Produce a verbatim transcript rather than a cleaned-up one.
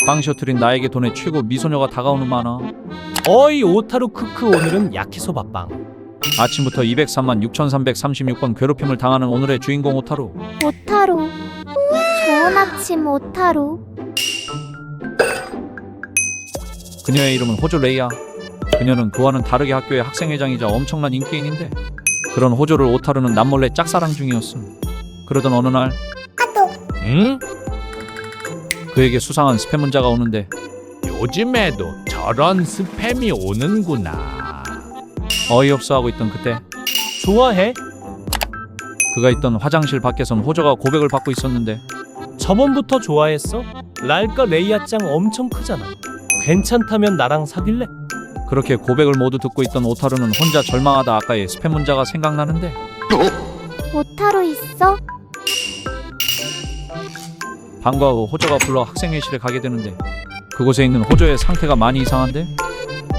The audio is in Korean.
빵 셔틀인 나에게 돈의 최고 미소녀가 다가오는 만화. 어이 오타루 크크 오늘은 야키소바빵. 아침부터 이백삼만 육천삼백삼십육 번 괴롭힘을 당하는 오늘의 주인공 오타루. 오타루. 좋은 아침 오타루. 그녀의 이름은 호조 레이야. 그녀는 그와는 다르게 학교의 학생회장이자 엄청난 인기인인데 그런 호조를 오타루는 남몰래 짝사랑 중이었음. 그러던 어느 날 응? 그에게 수상한 스팸 문자가 오는데 요즘에도 저런 스팸이 오는구나. 어이없어 하고 있던 그때 좋아해? 그가 있던 화장실 밖에선 호조가 고백을 받고 있었는데 저번부터 좋아했어? 랄까 레이아짱 엄청 크잖아. 괜찮다면 나랑 사귈래? 그렇게 고백을 모두 듣고 있던 오타루는 혼자 절망하다 아까의 스팸 문자가 생각나는데 오타루 있어? 방과 후 호조가 불러 학생회실에 가게 되는데 그곳에 있는 호조의 상태가 많이 이상한데